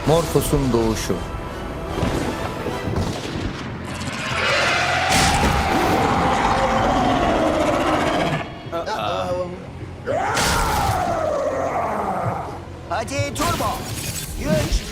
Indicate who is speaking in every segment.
Speaker 1: Morphos'un doğuşu.
Speaker 2: Hadi turbo. Güç.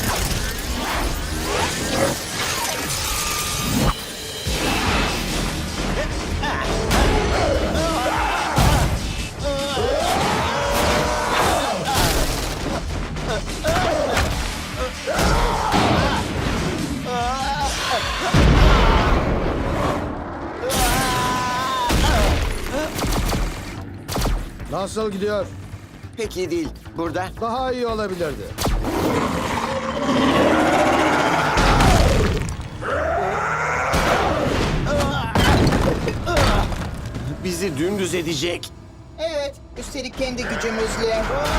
Speaker 3: Nasıl gidiyor?
Speaker 2: Pek iyi değil. Burada.
Speaker 3: Daha iyi olabilirdi.
Speaker 2: Bizi dümdüz edecek.
Speaker 4: Evet, üstelik kendi gücümüzle.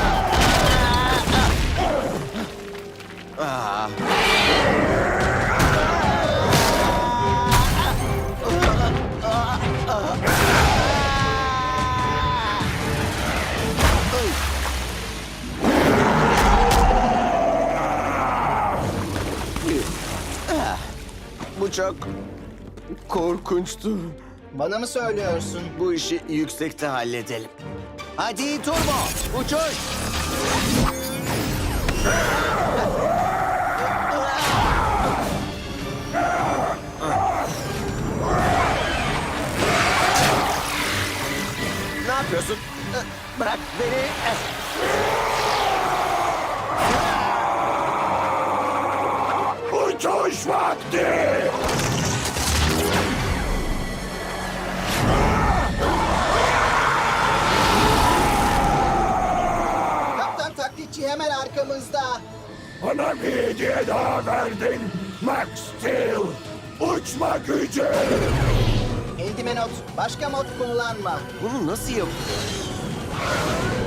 Speaker 2: Bu çok korkunçtu.
Speaker 4: Bana mı söylüyorsun?
Speaker 2: Bu işi yüksekte halledelim. Hadi turbo. Uçuş. Ne yapıyorsun? Bırak beni. Uçuş vakti.
Speaker 4: Kaptan taklitçi hemen arkamızda.
Speaker 5: Bana bir hediye daha verdin Max Steel. Uçma gücü.
Speaker 4: Endimenot, başka mod kullanma.
Speaker 2: Bunu nasıl yap?